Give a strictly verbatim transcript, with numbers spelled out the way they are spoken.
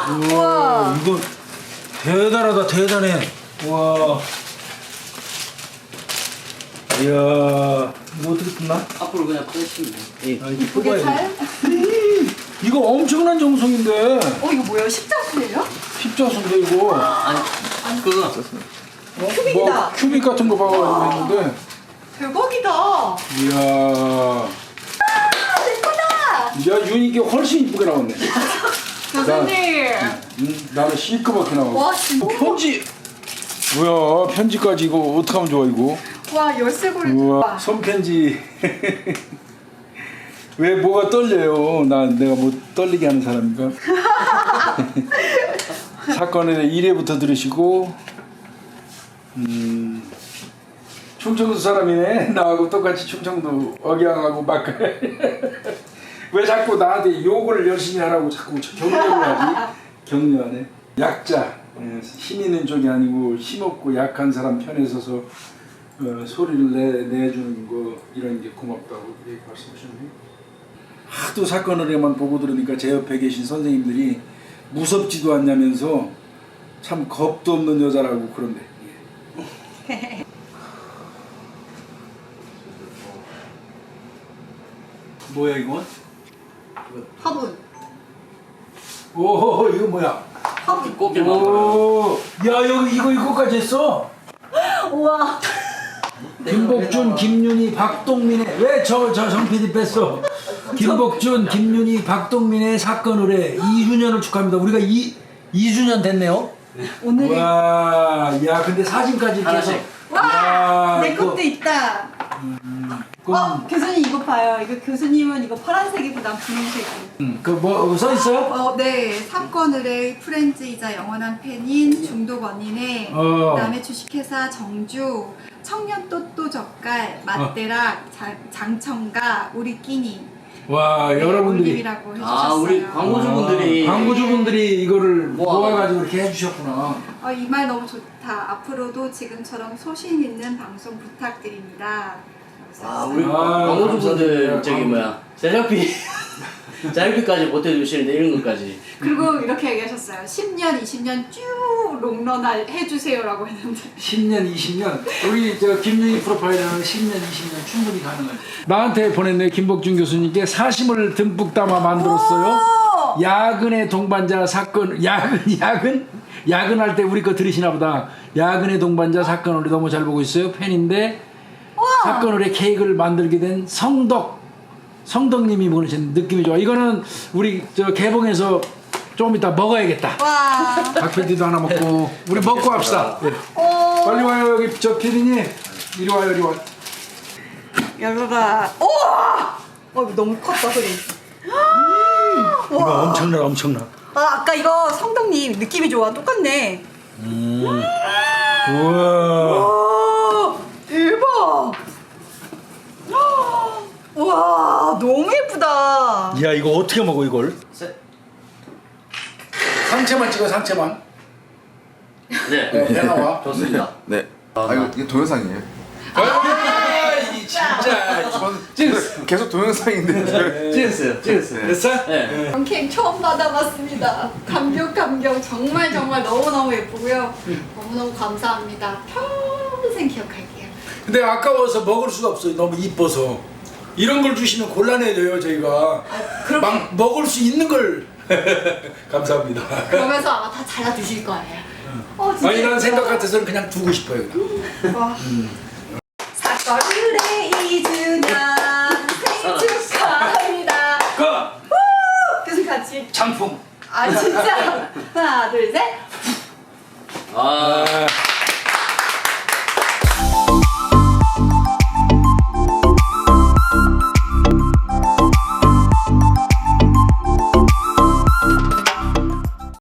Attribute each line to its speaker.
Speaker 1: 우와, 이거 대단하다, 대단해. 와. 이야, 이거 어떻게 뜯나?
Speaker 2: 앞으로 그냥 빼시면 돼요. 예.
Speaker 1: 아, 이거
Speaker 3: 이쁘게
Speaker 1: 뽑아야
Speaker 3: 잘?
Speaker 1: 돼. 이거 엄청난 정성인데.
Speaker 3: 어 이거 뭐예요? 십자수예요?
Speaker 1: 십자수인데 이거.
Speaker 2: 아니, 그거.
Speaker 1: 어?
Speaker 3: 큐빅이다.
Speaker 1: 뭐 큐빅 같은 거 봐가지고 했는데.
Speaker 3: 대박이다.
Speaker 1: 이야.
Speaker 3: 예쁘다.
Speaker 1: 야, 유니께 훨씬 이쁘게 나왔네.
Speaker 3: 교수님.
Speaker 1: 음, 나는 시끄럽게 나왔어.
Speaker 3: 와 진짜.
Speaker 1: 어, 편지. 뭐야, 편지까지 이거 어떡하면 좋아 이거.
Speaker 3: 와 열쇠고리.
Speaker 1: 우와, 손편지. 왜 뭐가 떨려요? 난 내가 뭐 떨리게 하는 사람인가? 사건에 일 회부터 들으시고 음, 충청도 사람이네. 나하고 똑같이 충청도 억양하고 막 왜 자꾸 나한테 욕을 열심히 하라고 자꾸 격려를 하지? 격려하네. 약자, 예, 힘 있는 쪽이 아니고 힘없고 약한 사람 편에 서서 어, 소리를 내, 내주는 거 이런 게 고맙다고 이렇게 말씀하셨네요. 하도 사건을에만 보고 들으니까 제 옆에 계신 선생님들이 무섭지도 않냐면서 참 겁도 없는 여자라고 그런데. 예. 뭐야 이건?
Speaker 3: 화분.
Speaker 1: 오, 이거 뭐야?
Speaker 3: 화분.
Speaker 2: 꽃게 만들어요.
Speaker 1: 오, 야 여기 이거 이거까지 했어?
Speaker 3: 우와.
Speaker 1: 김복준, 김윤희, 박동민의 왜 저 저 정피디 뺐어? 김복준, 김윤희, 박동민의 사건 의뢰 이 주년을 축하합니다. 우리가 이 이 주년 됐네요.
Speaker 3: 오늘이.
Speaker 1: 와, 야 근데 사진까지 이렇게 해서.
Speaker 3: 와. 내
Speaker 1: 이거-
Speaker 3: 것도 있다.
Speaker 1: 그럼,
Speaker 3: 어 교수님 이거 봐요. 이거 교수님은 이거 파란색이고 난 분홍색이고.
Speaker 1: 음, 그뭐 써 있어요?
Speaker 3: 어, 네. 사건 의뢰 프렌즈이자 영원한 팬인 중독 언니네.
Speaker 1: 어.
Speaker 3: 그다음에 주식회사 정주, 청년 또또 젓갈, 맛대락, 장- 장청가, 우리 끼니.
Speaker 1: 와,
Speaker 3: 네,
Speaker 1: 여러분들이
Speaker 3: 올림이라고 해주셨어요.
Speaker 2: 아, 우리 광고주분들이.
Speaker 1: 아, 광고주분들이 이거를
Speaker 2: 모아가지고.
Speaker 1: 모아가지고 이렇게 해주셨구나.
Speaker 3: 어, 이 말 너무 좋다. 앞으로도 지금처럼 소신 있는 방송 부탁드립니다.
Speaker 2: 아, 우리
Speaker 1: 아,
Speaker 2: 광고주분들
Speaker 1: 감사합니다.
Speaker 2: 저기 뭐야. 제작비. 제작비까지 보태주시는데 이런 것까지.
Speaker 3: 그리고 이렇게 얘기하셨어요. 십 년, 이십 년 쭉 롱런을 해주세요라고 했는데.
Speaker 1: 십 년, 이십 년. 우리 저 김윤희 프로파일러는 십 년, 이십 년 충분히 가능하죠. 나한테 보냈네. 김복준 교수님께 사심을 듬뿍 담아 만들었어요.
Speaker 3: 오!
Speaker 1: 야근의 동반자 사건. 야근, 야근? 야근할 때 우리 거 들으시나 보다. 야근의 동반자 사건을 너무 잘 보고 있어요. 팬인데 사건을 케이크를 만들게 된 성덕. 성덕님이 보내신 느낌이 좋아. 이거는 우리 저 개봉해서 조금 이따 먹어야겠다.
Speaker 3: 와.
Speaker 1: 박 피디도 하나 먹고 우리 먹고 합시다. 예.
Speaker 3: 오.
Speaker 1: 빨리 와요. 여기 저 피디님 이리 와요. 이리 와.
Speaker 3: 열어라. 우와! 어, 이거 너무 컸다, 소리.
Speaker 1: 이거 엄청나 엄청나.
Speaker 3: 아, 아까 이거 성덕님 느낌이 좋아. 똑같네.
Speaker 1: 음. 우와.
Speaker 3: 와, 대박. 와, 너무 예쁘다.
Speaker 1: 야 이거 어떻게 먹어 이걸?
Speaker 2: 세-
Speaker 1: 상체만 찍어 상체만.
Speaker 2: 네.
Speaker 1: 네, 배 나와.
Speaker 2: 좋습니다.
Speaker 4: 네. 아 이거 이게 동영상이에요.
Speaker 1: 아, 이 진짜.
Speaker 4: 찍었어. 계속 동영상인데.
Speaker 2: 찍었어요. 찍었어요.
Speaker 1: 됐어?
Speaker 2: 네.
Speaker 3: 캠 처음 받아봤습니다. 감격 감격 정말 정말 너무너무 예쁘고요. 너무너무 감사합니다. 평생 기억할게요.
Speaker 1: 근데 아까워서 먹을 수가 없어요. 너무 이뻐서. 이런 걸 주시면 곤란해져요 저희가.
Speaker 3: 그렇게-
Speaker 1: 막 먹을 수 있는 걸. 감사합니다.
Speaker 3: 그러면서 아마 다 잘라주실 거예요. 어, 진짜
Speaker 1: 아니 난
Speaker 3: 예쁘다.
Speaker 1: 생각 같아서는 그냥 두고 싶어요. 그냥.
Speaker 3: 와. 사건 의뢰 이 주년 생일 축하합니다.
Speaker 1: 그
Speaker 3: 교수님 같이.
Speaker 1: 장풍.
Speaker 3: 아 진짜. 하나 둘 셋.
Speaker 2: 아.
Speaker 1: 아.